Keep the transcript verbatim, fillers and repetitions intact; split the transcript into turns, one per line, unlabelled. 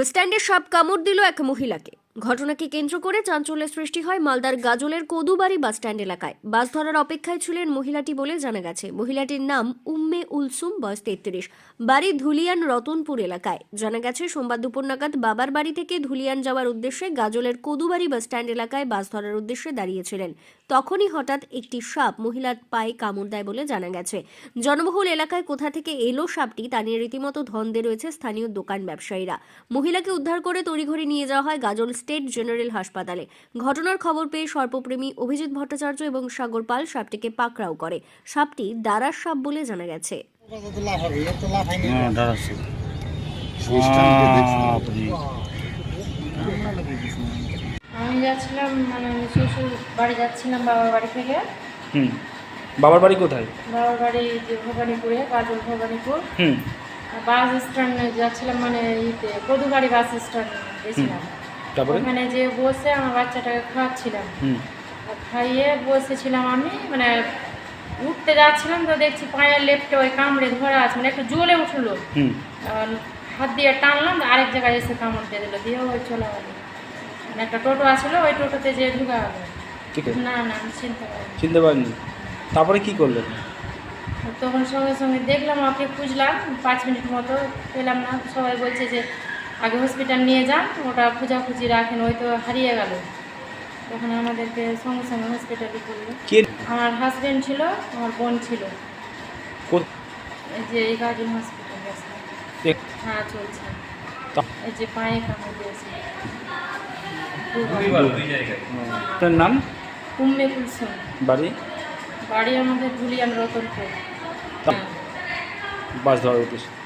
বাসস্ট্যান্ডে সাপ কামড় দিল এক মহিলাকে। ঘটনাকে কেন্দ্র করে চাঞ্চল্যের সৃষ্টি হয় মালদার গাজলের কদুবাড়ি বাসস্ট্যান্ড এলাকায়। বাস ধরার অপেক্ষায় ছিলেন মহিলাটি বলে জানা গেছে। মহিলাটির নাম উম্মে উলসুম, বয়স তেত্রিশ, বাড়ি ধুলিয়ান রতনপুর এলাকায়। জানা গেছে সোমবার দুপুর নাগাদ বাবার বাড়ি থেকে ধুলিয়ান যাওয়ার উদ্দেশ্যে গাজলের কদুবাড়ি বাসস্ট্যান্ড এলাকায় বাস ধরার উদ্দেশ্যে দাঁড়িয়েছিলেন। তখনই হঠাৎ একটি সাপ মহিলার পায়ে কামড় দেয় বলে জানা গেছে। জনবহুল এলাকায় কোথা থেকে এলো সাপটি তা নিয়ে রীতিমতো ধন্দে রয়েছে স্থানীয় দোকান ব্যবসায়ীরা। মহিলাকে উদ্ধার করে তড়িঘড়ি নিয়ে যাওয়া হয় গাজল স্টেট জেনারেল হাসপাতালে। ঘটনার খবর পেয়ে সর্পপ্রেমী অভিজিৎ ভট্টাচার্য এবং সাগর পাল সাপটিকে পাকড়াও করে। সাপটি দারাস সাপ বলে জানা গেছে।
আমি যাচ্ছিলাম মানে আমি শ্বশুর বাড়ি যাচ্ছিলাম বাবার বাড়ি থেকে।
হুম বাবার বাড়ি কোথায়?
বাবার বাড়ি যে ভবানীপুরে, গাজল ভবানীপুর।
হুম
বাস স্ট্যান্ডে যাচ্ছিলাম, মানে ইতে কদুবাড়ি বাস স্ট্যান্ড গেছিলাম।
তারপরে
ওখানে যে বসে আমার বাচ্চাটাকে খাওয়াচ্ছিলাম।
হুম
খাইয়ে বসেছিলাম, আমি মানে উঠতে যাচ্ছিলাম তো দেখছি পায়ের লেপটে ওই কামড়ে ধরা আছে, মানে একটু জ্বলে উঠলো।
হুম
হাত দিয়ে টানলাম, আরেক জায়গায় এসে কামড় দিয়ে দিল, দিয়ে ওই চলে গেল। মানে একটা টোটো আসলো, ওই টোটোতে যে ঢুকা গেল।
ঠিক আছে,
না না আমি চিনতে পারিনি।
চিনতে পারিনি। তারপরে কি করলেন?
তখন সঙ্গে সঙ্গে দেখলাম, ওকে খুঁজলাম পাঁচ মিনিট মতো, পেলাম না। সবাই বলছে যে আগে হসপিটাল নিয়ে যান, ওটা খোঁজাখুঁজি রাখেন, ওই তো হারিয়ে গেল। তখন আমাদেরকে সঙ্গে সঙ্গে হসপিটালে করলো।
কে?
আমার হাজব্যান্ড ছিল, আমার বোন ছিল।
কোথ-
এই যে এই গাজন হসপিটাল গেছে।
এক-
হ্যাঁ চলছে।
তা-
এই যে পায়ে কামড় দিয়েছে।
তার নাম?
উম্মে কুলসুম।
বাড়ি?
বাড়ি আমাদের ধুলিয়ান রতনপুর।
তা- বাস ধরার উদ্দেশ্যে